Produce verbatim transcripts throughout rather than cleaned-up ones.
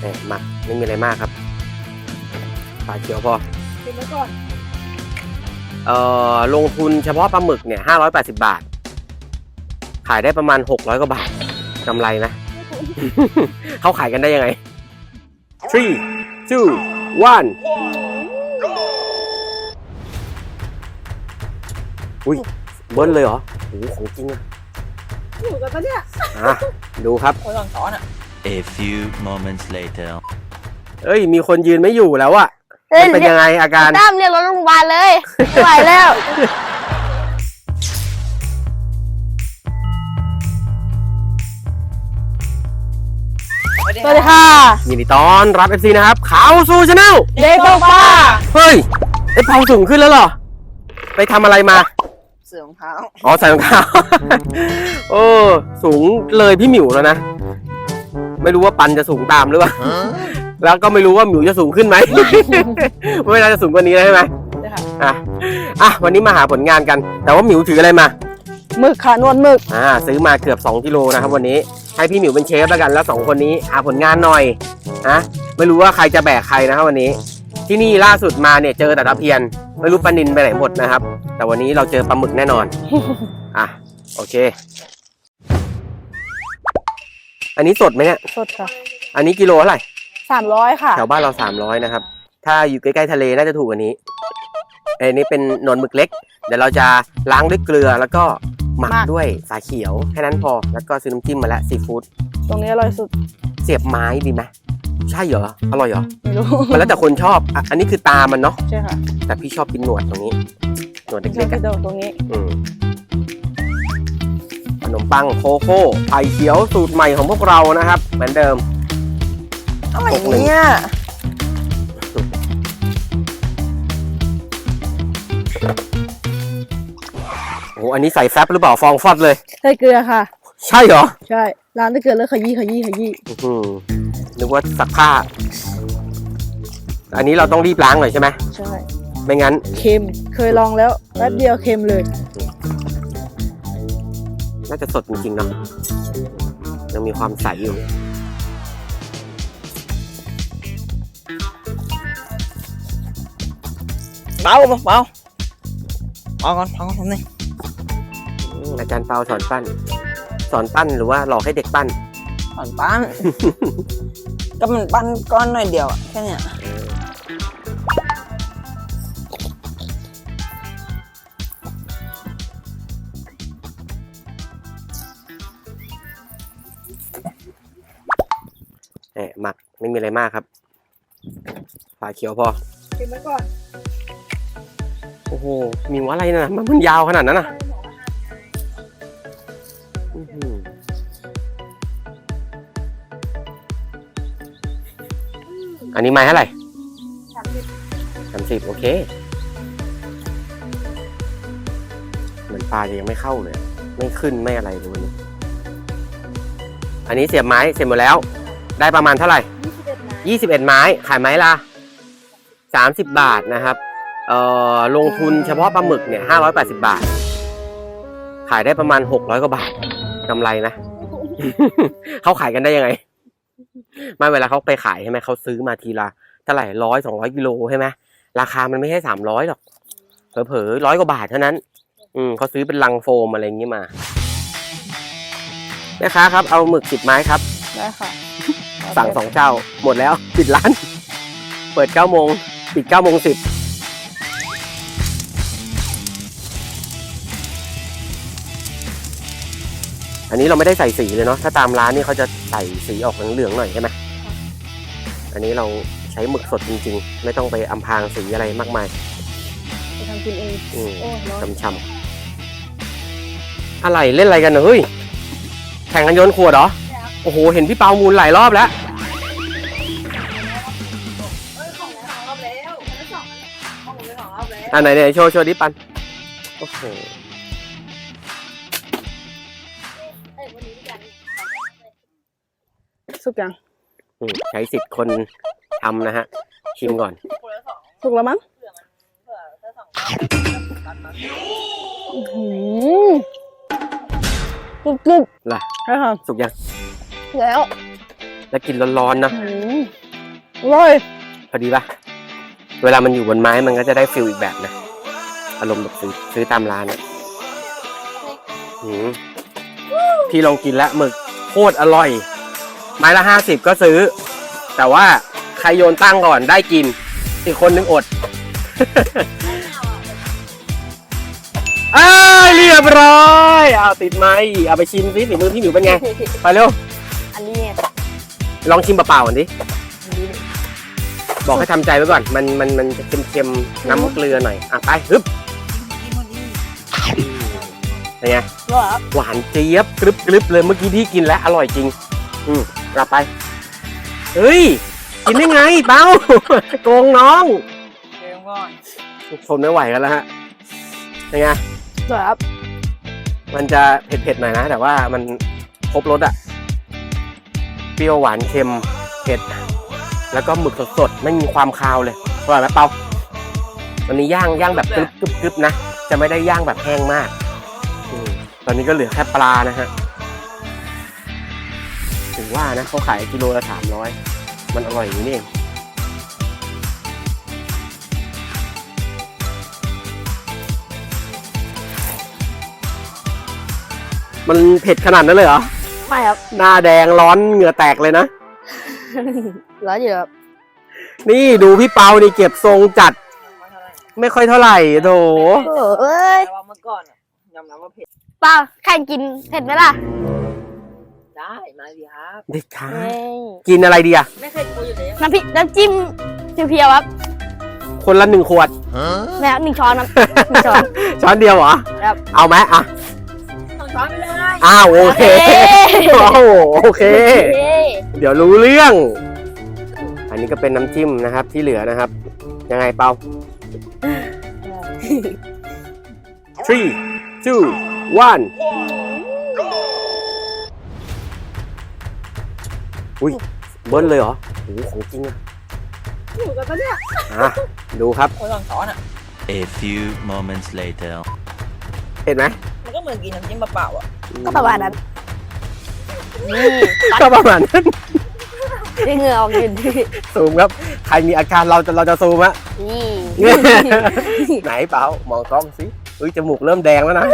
นี่หมักไม่มีอะไรมากครับปลาเขียวพอกินไว้ก่อนเอ่อลงทุนเฉพาะปลาหมึกเนี่ยห้าร้อยแปดสิบบาทขายได้ประมาณหกร้อยกว่าบาทกำไรนะ เขาขายกันได้ยังไง three two one อุ้ยเบิ้ลเลยเหรอโอ้โหของจริงอะอยู่กันปะเนี่ยอ่ะดูครับคนหลังซ้อนอะ A few moments later เอ้ยมีคนยืนไม่อยู่แล้วอะเป็นยังไงอาการตั้มเรียกรถโรงพยาบาลเลยไม่ไหวแล้วสวัสดีค่ะยินดีต้อนรับ เอฟ ซี นะครับข่าวสู่ชาแนลเด็กตกปลาเฮ้ยไอ้เผาสูงขึ้นแล้วเหรอไปทำอะไรมาเสื่อมเท้าอ๋อใส่รองเท้าโอ้สูงเลยพี่หมิวแล้วนะไม่รู้ว่าปันจะสูงตามหรือเปล่าแล้วก็ไม่รู้ว่าหมิวจะสูงขึ้นไหมไม่น่าจะสูงกว่านี้ใช่ไหมอ่ะอ่ะวันนี้มาหาผลงานกันแต่ว่าหมิวถืออะไรมาหมึกค่ะนวลหมึกอ่าซื้อมาเกือบสองกิโลนะครับวันนี้ให้พี่หมิวเป็นเชฟแล้วกันแล้วสองคนนี้หาผลงานหน่อยนะไม่รู้ว่าใครจะแบกใครนะครับวันนี้ที่นี่ล่าสุดมาเนี่ยเจอแต่ตะเพียนไม่รู้ปลานิลไปไหนหมดนะครับแต่วันนี้เราเจอปลาหมึกแน่นอนอ่ะโอเคอันนี้สดไหมเนี่ยสดค่ะอันนี้กิโลเท่าไหร่สามร้อยค่ะแถวบ้านเราสามร้อยนะครับถ้าอยู่ใกล้ๆทะเลน่าจะถูกกว่านี้อันนี้เป็นหนอนหมึกเล็กเดี๋ยวเราจะล้างด้วยเกลือแล้วก็หมักด้วยสาเขียวแค่นั้นพอแล้วก็ซื้อน้ำจิ้มมาแล้วซีฟู้ดตรงนี้อร่อยสุดเสียบไม้ดีไหมใช่เหรออร่อยเหรอไม่รู้มันแล้วแต่คนชอบอันนี้คือตามันเนาะใช่ค่ะแต่พี่ชอบกินหนวดตรงนี้หนวดเล็กๆตรงนี้อืมขนมปังโคโค่ไผ่เขียวสูตรใหม่ของพวกเรานะครับเหมือนเดิมอะไรเนี่ยโอ้อันนี้ใส่แฟบหรือเปล่าฟองฟอดเลยใส่เกลือค่ะใช่เหรอใช่ร้านใส่เกลือแล้วขยี้ขยี้ขยี้อืมนึกว่าซักผ้าอันนี้เราต้องรีบล้างหน่อยใช่ไหมใช่ไม่งั้นเค็มเคยลองแล้วแป๊บเดียวเค็มเลยน่าจะสดจริงๆเนาะยังมีความใสอยู่เบาเบาเอาก่อนเอาก่อนทำนี่อาจารย์เปาสอนปั้นสอนปั้นหรือว่าหลอกให้เด็กปั้นสอนปั้น ก็มันปั้นก้อนหน่อยเดียวอะแค่เนี้ยเอ๊ะหมักไม่มีอะไรมากครับฝาเขียวพอกินไว้ก่อนโอ้โหมีว่าอะไรนะมันมันยาวขนาดนั้นนะอันนี้ไม้เท่าไหร่สามสิบสามสิบโอเคเหมือนปลาจะยังไม่เข้าเลยไม่ขึ้นไม่อะไรเลยวันนี้อันนี้เสียบไม้เสร็จหมดแล้วได้ประมาณเท่าไหร่ยี่สิบเอ็ดไม้ขายไม้ละสามสิบบาทนะครับเอ่อลงทุนเฉพาะปลาหมึกเนี่ยห้าร้อยแปดสิบบาทขายได้ประมาณหกร้อยกว่าบาทกำไรนะ เขาขายกันได้ยังไงไม่เวลาเขาไปขายใช่ไหมเขาซื้อมาทีละเท่าไหร่ร้อยสองร้อยกิโลใช่ไหมราคามันไม่ใช่สามร้อยหรอกเผลอๆร้อยกว่าบาทเท่านั้นอืมเขาซื้อเป็นลังโฟมอะไรอย่างนี้มาแม่ค้าครับเอาหมึกสิบไม้ครับได้ค่ะสั่งสองเจ้าหมดแล้วปิดร้านเปิดเก้าโมงปิดเก้าโมงสิบอันนี้เราไม่ได้ใส่สีเลยเนาะถ้าตามร้านนี่เขาจะใส่สีออกเหลืองๆหน่อยใช่ไหมอันนี้เราใช้หมึกสดจริงๆไม่ต้องไปอำพรางสีอะไรมากมายไปทำกินเองอืมช่ำๆอะไรเล่นอะไรกันเฮ้ยแข่งกันโยนขวดเหรอโอ้โหเห็นพี่เปามูลหลายรอบแล้วอันไหนเนี่ยโชว์โชว์ดิปันโอ้โหสุกยังใช้สิทธิ์คนทำนะฮะชิมก่อนสุกแล้วมั้งสุกสุกล่ะใช่ค่ะสุกยังแล้วแล้วกินร้อนๆนะอืมอร่อยพอดีปะเวลามันอยู่บนไม้มันก็จะได้ฟิลอีกแบบนะอารมณ์แบบซื้อซื้อตามร้านอะอืมพี่ลองกินแล้วหมึกโคตรอร่อย ไม้ละห้าสิบก็ซื้อ แต่ว่าใครโยนตั้งก่อนได้กินอีกคนนึงอด อ้าวเรียบร้อยเอาติดไม้เอาไปชิมสิฝีมือพี่หมิวเป็นไง ไปเร็วอันนี้เนี่ยลองชิมเปล่าๆก่อนดิอันนี้เนี่ยบอกให้ทำใจไว้ก่อน มันมันมันจะเค็มๆน้ำเกลือหน่อย อ่ะไปฮึบเป็นไงอร่อยครับหวานเจี๊ยบกรึบกรึบเลยเมื่อกี้พี่กินแล้วอร่อยจริง อืมกลับไป เฮ้ย กินได้ไงเป้า โกงน้องเดี๋ยวก่อนทนไม่ไหวกันแล้วฮะเป็นไงอร่อยครับมันจะเผ็ดๆหน่อยนะ แต่ว่ามันครบรสอะเปรี้ยวหวานเค็มเผ็ด แล้วก็หมึกสดๆไม่มีความคาวเลยอร่อยไหมเปาวันนี้ย่างย่างแบบกรึบกรึบกรึบนะ จะไม่ได้ย่างแบบแห้งมากอมตอนนี้ก็เหลือแค่ปลานะฮะถึงว่านะเขาขายกิโลละสามร้อยมันอร่อยอย่างนี้เองมันเผ็ดขนาดนั้นเลยเหรอไม่ครับหน้าแดงร้อนเหงื่อแตกเลยนะร้อยอยู่ครับนี่ดูพี่เปานี่เก็บทรงจัดมาเท่าไหร่ไม่ค่อยเท่าไหร่โถโอ้เอ้ยแต่ว่าเมื่อก่อนอะยอมรับว่าเผ็ดป้าใครกินเผ็ดไหมล่ะได้มาสิครับเด็กขาเอ้ยกินอะไรดีอะไม่เคยกลัวอยู่แล้วน้ำพริกน้ำจิ้มเพียวๆครับคนละหนึ่งขวดแม่หนึ่งช้อนครับหนึ่งช้อนช้อนเดียวเหรอครับเอาไหมอ่ะต้องช้อนไปเลยอ้าวโอเค โอ้โหโอเคเอ้ยเดี๋ยวรู้เรื่อง อันนี้ก็เป็นน้ำจิ้มนะครับที่เหลือนะครับ ยังไงเปา three two one อุ้ยเบิ้ลเลยเหรอโอ้โหของจริงอะอยู่กันปะเนี่ยอ่ะดูครับคนลองช้อนอ่ะ A few moments later. เห็นไหมมันก็เหมือนกินน้ำจิ้มเปล่าๆอ่ะก็ประมาณนั้นนี่ก็ประมาณนั้นได้เหงื่อออกอยู่ดีซูมครับ ใครมีอาการเราจะเราจะซูมอะนี่ไหนเปล่ามองกล้องสิอุ้ยจมูกเริ่มแดงแล้วนะ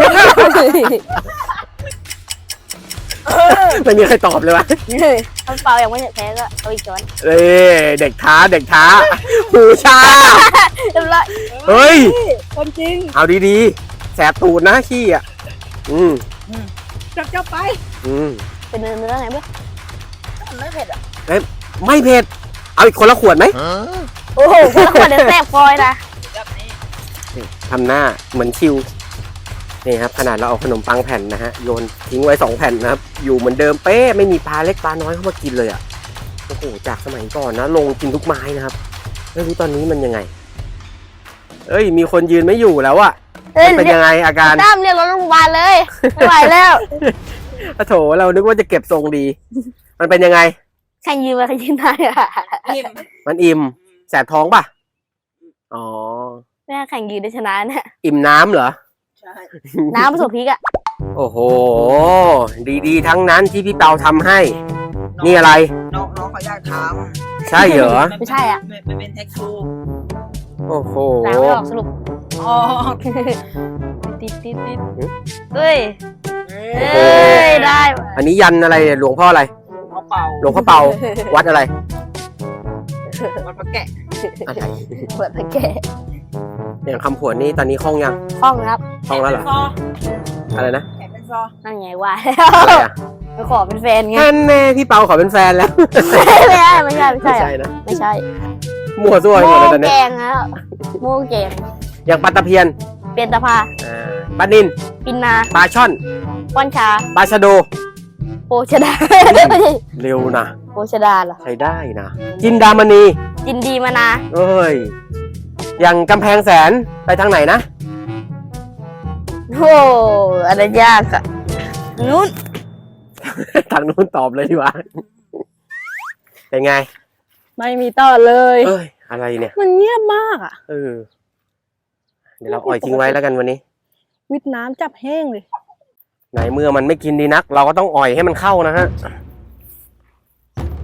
ไม่มีใครตอบเลยวะถ้าเปล่ายังไม่แพ้ก็เอาอีกช้อนเอ้ยเด็กท้าเด็กท้าหูชาเรียบร้อยเฮ้ยคนจริงเอาดีๆ แสบตูดนะขี้อ่ะ อืมจับจับไปอืมเป็นเนื้อเนื้อไงเบ้ยมันไม่เผ็ดอ่ะไม่เผ็ด เอาอีกคนละขวดไหมโอ้โหคนละคนเดี๋ยวแซ่บคอยนะแบบนี้ทำหน้าเหมือนชิว นี่ครับ ขนาดเราเอาขนมปังแผ่นนะฮะ โยนทิ้งไว้สองแผ่นนะครับ อยู่เหมือนเดิมเป๊ะ ไม่มีปลาเล็กปลาน้อยเข้ามากินเลยอ่ะ โอ้โห จากสมัยก่อนนะ ลงกินทุกไม้นะครับ ไม่รู้ตอนนี้มันยังไง เอ้ย มีคนยืนไม่อยู่แล้วอะเอ้ยมันเป็นยังไงอาการตั้มเรียกรถโรงพยาบาลเลย ไม่ไหวแล้วโถเรานึกว่าจะเก็บทรงดี มันเป็นยังไงใครยืนมาใครยืนได้อะอิ่มมันอิ่ม แสบท้องป่ะ อ๋อแม่แข่งยืนได้ชนะเนี่ยอิ่มน้ำเหรอใช่น้ำผสมพริกอะโอ้โห ดีๆ ทั้งนั้นที่พี่เปาทำให้ นี่อะไรน้องน้องเขาอยากทใช่เหรอำไม่ใช่อ่ะมันเป็นแท็กทูโอ้โหล้างไม่ออกสรุปอ๋อติดติดติดเฮ้ยโอ้เฮ้โหย ได้ว่ะอันนี้ยันอะไรหลวงพ่ออะไรเขาเป่าหลวงพ่อเปา วัดอะไรมันประแกะอะไรเปิดตะแกะอย่างคำผวนนี่ตอนนี้คล่องยังห้องครับคล่องแล้วเหรอ อะไรนะแขนเป็นซอนั่นไงว่าอะไรอ่ะไปขอเป็นแฟนไงแน่แน่พี่เปาขอเป็นแฟนแล้วไม่ใช่ไม่ใช่ไม่ไม่ใช่ใช่นะไม่ใช่มั่วซั่วไปโม่หมดเลยตอนแกนี้งแล้วโม่แกงอย่างปลาตะเพียนเปลี่ยนตะพาอ่าปลานินปินนาปลาช่อนป้อนชาปลาชะโดโปชดาไม่ใช่เร็วนะโปชดาเหรอใช้ได้นะจินดามณีจินดีมานาเอ้ย อย่างกำแพงแสนไปทางไหนนะโอ้อะไรยากอะนู้นทางนู้นตอบเลยดีกว่า เป็นไงไม่มีต่อเลยเอ้ย อะไรเนี่ยมันเงียบมากอ่ะเออ เดี๋ยวเราอ่อยทิ้งไว้แล้วกันวันนี้วิดน้ำจับแห้งเลยไหนเมื่อมันไม่กินดีนัก เราก็ต้องอ่อยให้มันเข้านะฮะ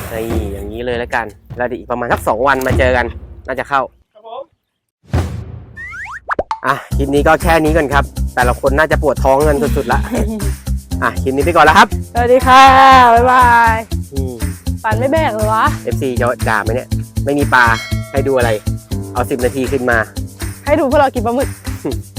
นี่อย่างนี้เลยแล้วกัน แล้วเดี๋ยวอีกประมาณสักสองวันมาเจอกัน น่าจะเข้าครับผมอ่ะ คลิปนี้ก็แค่นี้ก่อนครับ แต่ละคนน่าจะปวดท้องกันสุดๆละ อ่ะ คลิปนี้ไปก่อนแล้วครับสวัสดีค่ะ บ๊ายบายอืมปันไม่แบกเลยวะเอฟ ซี จะด่าไหมเนี่ย ไม่มีปลาให้ดูอะไร เอาสิบนาทีขึ้นมาให้ดูพวกเรากินปลาหมึก